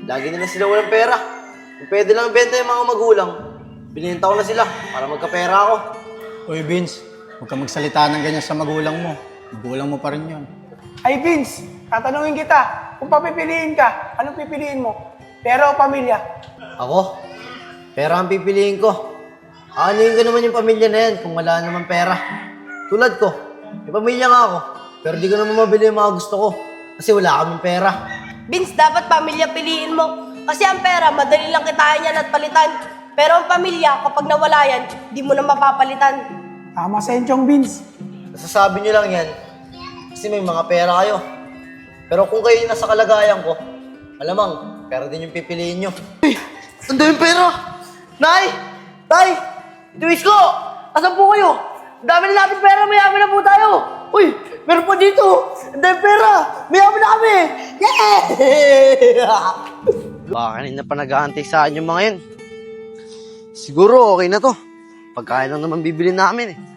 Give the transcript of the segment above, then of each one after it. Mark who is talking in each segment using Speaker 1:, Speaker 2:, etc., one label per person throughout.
Speaker 1: Lagi na sila walang pera. Kung pwede lang benta yung mga magulang, bininta ko na sila para magkapera ako.
Speaker 2: Uy, Vince, huwag ka magsalita ng ganyan sa magulang mo. Magulang mo pa rin yun.
Speaker 3: Ay Vince, tatanungin kita, kung papipiliin ka, anong pipiliin mo? Pera o pamilya?
Speaker 1: Ako? Pera ang pipiliin ko. Aanuhin ko naman yung pamilya na yan kung wala naman pera. Tulad ko, may pamilya nga ako, pero di ko naman mabili yung mga gusto ko kasi wala kaming pera.
Speaker 4: Vince, dapat pamilya piliin mo. Kasi ang pera, madali lang kitain yan at palitan. Pero ang pamilya, kapag nawala yan, di mo na mapapalitan.
Speaker 3: Tama sa enchong Vince.
Speaker 1: Nasasabi nyo lang yan kasi may mga pera kayo. Pero kung kayo yung nasa kalagayan ko, malamang, pera din yung pipiliin nyo. Uy! Ang daming pera! Nay! Tay! Ituwis ko! Asan po kayo? Ang dami na natin pera, mayaman na po tayo! Uy! Meron po dito! Ang daming pera! Mayaman na kami! Yeah! Baka kanina pa nag-aantay sa akin yung mga yun. Siguro okay na to. Pagkain lang naman bibili namin eh.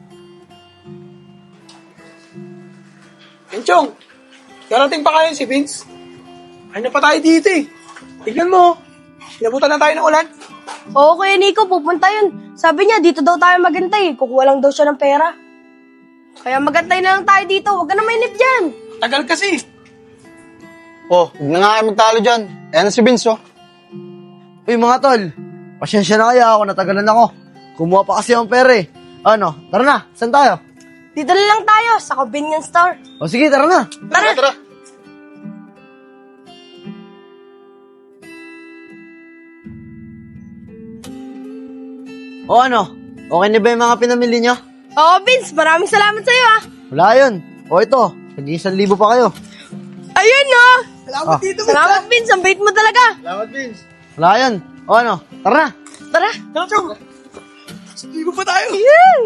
Speaker 3: Enchong, darating pa kayo si Vince. Ay na pa tayo dito eh. Tignan mo, inabutan na tayo ng ulan.
Speaker 4: Oo, Kuya Nico, pupunta yun. Sabi niya, dito daw tayo magantay. Kukuha lang daw siya ng pera. Kaya magantay na lang tayo dito. Huwag ka na mainip dyan.
Speaker 3: Tagal kasi.
Speaker 2: Oh, huwag na nga kayo magtalo dyan. Ayan na si Vince, oh.
Speaker 1: Uy mga tol, pasensya na kaya ako, natagalan ako. Kumuha pa kasi ang pera eh. Ano, tara na, saan tayo?
Speaker 4: Dito na lang tayo sa convenience store.
Speaker 1: O sige, tara na.
Speaker 4: Tara.
Speaker 1: O ano, okay na ba yung mga pinamili nyo?
Speaker 4: Oo, Vince, maraming salamat sa'yo ah.
Speaker 1: Wala yun. O ito, nag-1,000 pa kayo.
Speaker 4: Ayun no.
Speaker 3: Salamat
Speaker 1: Ah.
Speaker 3: dito,
Speaker 4: Salamat, Vince. Ang bait mo talaga.
Speaker 3: Salamat, Vince.
Speaker 1: Wala yun. O ano, tara na.
Speaker 4: Tara.
Speaker 3: Tara, Chong. Sige pa tayo.
Speaker 4: Yan.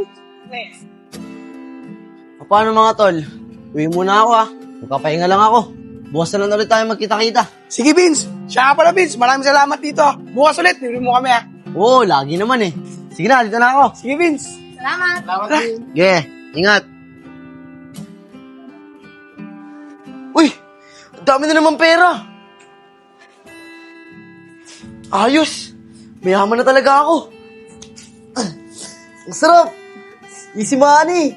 Speaker 1: O paano mga tol? Uwi muna ako ha. Magpapahinga lang ako. Bukas na lang ulit tayo magkita-kita.
Speaker 3: Sige, Vince. Siya nga pala, Vince. Maraming salamat dito. Bukas ulit, bibili mo kami, ha?
Speaker 1: Oo, lagi naman eh. Sige na, dito na ako.
Speaker 3: Sige, Vince.
Speaker 4: Salamat.
Speaker 3: Salamat, Vince.
Speaker 1: Sige, ingat. Uy, ang dami na naman pera. Ayos. Mayaman na talaga ako. Ang sarap. Easy money.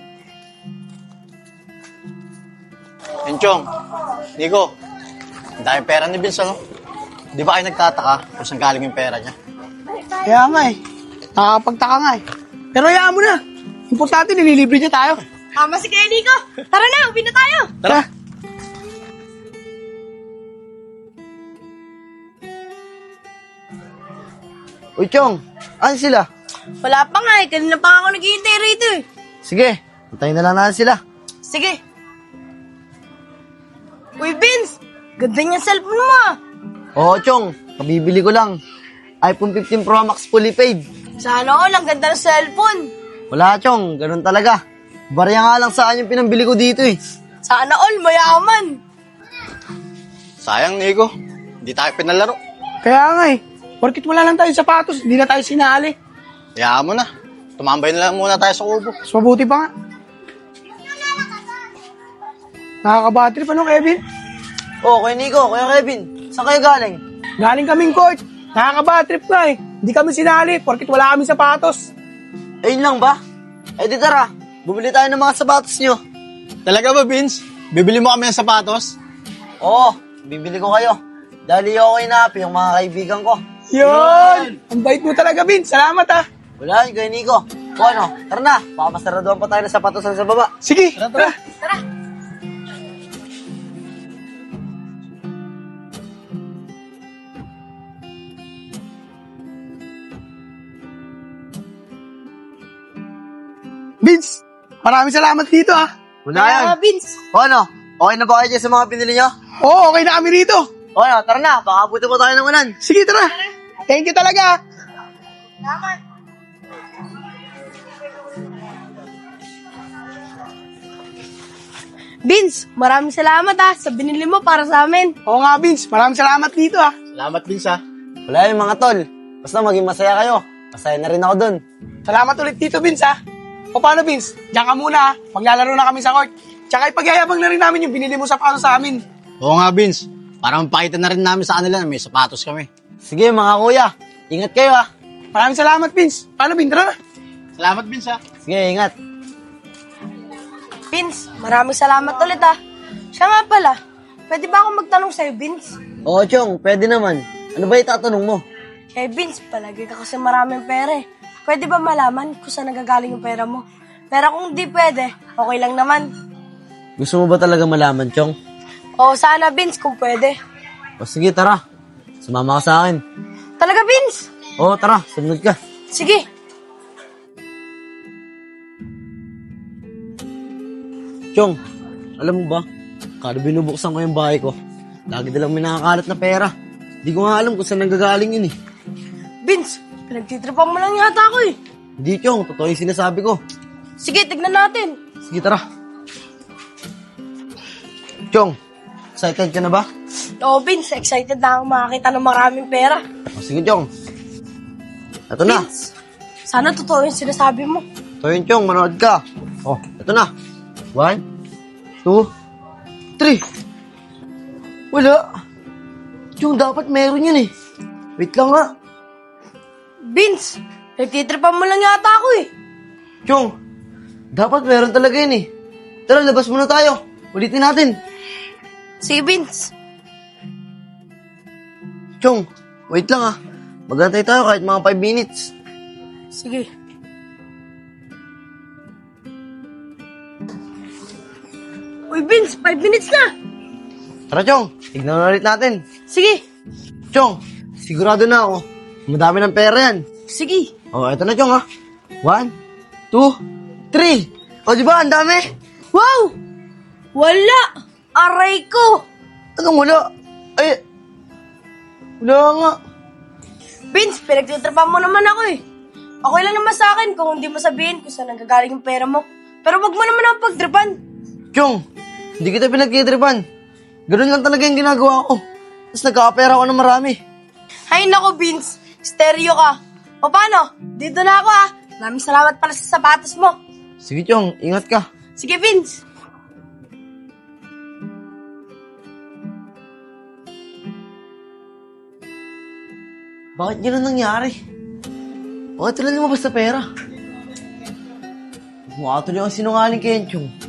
Speaker 2: Enchong, Nico, ang daming pera ni Vince, ano? Di ba kayo nagtataka kung saan galing yung pera niya?
Speaker 3: Kaya nga eh. Nakakapagtaka nga eh. Pero hayaan mo na. Importante, nililibre niya tayo.
Speaker 4: Tama si Kuya Nico. Tara na, uwi na tayo.
Speaker 3: Tara.
Speaker 1: Uy, Chong. Ano sila?
Speaker 4: Wala pa nga eh. Kanina pa ako naghihintay rito eh.
Speaker 1: Sige, hintayin na lang natin sila.
Speaker 4: Sige. Uy, Vince. Ganda niyang cellphone mo ah.
Speaker 1: Oo, Chong. Kabibili ko lang. iPhone 15 Pro Max fully paid.
Speaker 4: Sana all, ang ganda ng cellphone.
Speaker 1: Wala, Chong. Ganun talaga. Barya nga lang sa akin yung pinambili ko dito eh.
Speaker 4: Sana all, mayaman.
Speaker 2: Sayang, Nico. Hindi tayo pinalaro.
Speaker 3: Kaya nga eh. Porkit wala lang tayo sapatos, hindi na tayo sinali.
Speaker 2: Hayaan mo na. Tumambay na lang muna tayo sa kubo.
Speaker 3: Mas mabuti pa nga. Nakakabattery pa no, Kevin?
Speaker 1: Oo, Kuya Nico, Kuya Kevin. Saan kayo galing?
Speaker 3: Galing kaming court. Nakakabatrip nga eh. Hindi kami sinali, porkit wala kami sapatos.
Speaker 1: Ayun lang ba? Eh di tara, bumili tayo ng mga sapatos nyo.
Speaker 2: Talaga ba, Vince? Bibili mo kami ng sapatos?
Speaker 1: Oo, bibili ko kayo. Dali ako inapi yung mga kaibigan ko.
Speaker 3: Yun! Ang bait mo talaga, Vince. Salamat ah.
Speaker 1: Wala yun, Kuya Nico. O ano, tara na. Papasaraduhan pa tayo ng sapatos sa baba.
Speaker 3: Sige, tara.
Speaker 4: Tara.
Speaker 3: Vince, maraming salamat dito ah.
Speaker 1: Wala yan.
Speaker 4: Kaya, Vince.
Speaker 1: O ano, okay na ba kayo dyan sa mga pinili nyo?
Speaker 3: Oo, okay na kami rito.
Speaker 1: O ano, tara na. Baka buti pa tayo ng unan.
Speaker 3: Sige, tara. Thank you talaga.
Speaker 4: Salamat. Vince, maraming salamat sa binili mo para sa amin.
Speaker 3: Oo nga, Vince. Maraming salamat dito ah.
Speaker 2: Salamat, Vince, ha?
Speaker 1: Wala yun mga tol. Basta maging masaya kayo. Masaya na rin ako dun.
Speaker 3: Salamat ulit dito, Vince ah. O paano, Vince? Diyan ka muna ah. Maglalaro na kami sa court. Tsaka ipagyayabang na rin namin yung binili mo sa paano sa amin.
Speaker 2: Oo nga, Vince. Para mapakita na rin namin sa kanila na may sapatos kami. Sige mga kuya, ingat kayo ah.
Speaker 3: Maraming salamat, Vince. Paano, Vin? Tara na.
Speaker 2: Salamat Vince ah.
Speaker 1: Sige, ingat.
Speaker 4: Vince, maraming salamat ulit ah. Siya nga pala, pwede ba akong magtanong sa'yo, Vince?
Speaker 1: Oo, Chong, pwede naman. Ano ba itatanong mo?
Speaker 4: Eh, Vince, palagi ka kasi maraming pera eh. Pwede ba malaman kung saan nagagaling yung pera mo? Pero kung di pwede, okay lang naman.
Speaker 1: Gusto mo ba talaga malaman, Chong?
Speaker 4: Oo, sana, Vince, kung pwede.
Speaker 1: O sige, tara. Sumama ka sa akin.
Speaker 4: Talaga, Vince?
Speaker 1: Oo, tara. Sunod ka.
Speaker 4: Sige.
Speaker 1: Chong, alam mo ba? Kada binubuksan ko yung bahay ko, lagi dalang may nakakalat na pera. Hindi ko nga alam kung saan nanggagaling yun eh.
Speaker 4: Vince, pinagtitripan mo lang yata ako eh.
Speaker 1: Hindi, Chong. Totoo yung sinasabi ko.
Speaker 4: Sige, tignan natin.
Speaker 1: Sige, tara. Chong, excited ka na ba?
Speaker 4: Oo, Vince, excited na akong makakita ng maraming pera.
Speaker 1: O sige, Chong. Ito na.
Speaker 4: Vince, sana totoo yung sinasabi mo.
Speaker 1: Ito yun, Chong. Manood ka. O, ito na. 1, 2, 3. Wala. Chong, dapat meron yun eh. Wait lang nga.
Speaker 4: Vince, nagtitripan mo lang yata ako eh.
Speaker 1: Chong, dapat meron talaga yun eh. Tara, labas muna tayo. Ulitin natin.
Speaker 4: Sige, Vince.
Speaker 1: Chong, wait lang ah. Magantay tayo kahit mga 5 minutes.
Speaker 4: Sige. Uy, Vince, 5 minutes na.
Speaker 1: Tara, Chong. Tignan na ulit natin.
Speaker 4: Sige.
Speaker 1: Chong, sigurado na ako. Madami ng pera yan.
Speaker 4: Sige.
Speaker 1: O, eto na, Chong ha. 1, 2, 3. O, di ba? Ang dami.
Speaker 4: Wow! Wala! Aray ko!
Speaker 1: Anong wala? Ay, wala nga.
Speaker 4: Vince, pinagtitripan mo naman ako eh. Okay lang naman sa akin kung hindi mo sabihin kung saan nanggagaling yung pera mo. Pero wag mo naman ako pagtripan.
Speaker 1: Chong, hindi kita pinagkitripan. Ganun lang talaga yung ginagawa ko. Tapos nagkakapera ako ng marami.
Speaker 4: Hay nako, Vince. Stereo ka. O paano? Dito na ako ah. Maraming salamat pala sa sapatos mo.
Speaker 1: Sige, Chong. Ingat ka.
Speaker 4: Sige, Vince.
Speaker 1: Bakit ganun nangyari? Bakit sila lumabas sa pera? Mukha tuloy ang sinungaling kay Chong.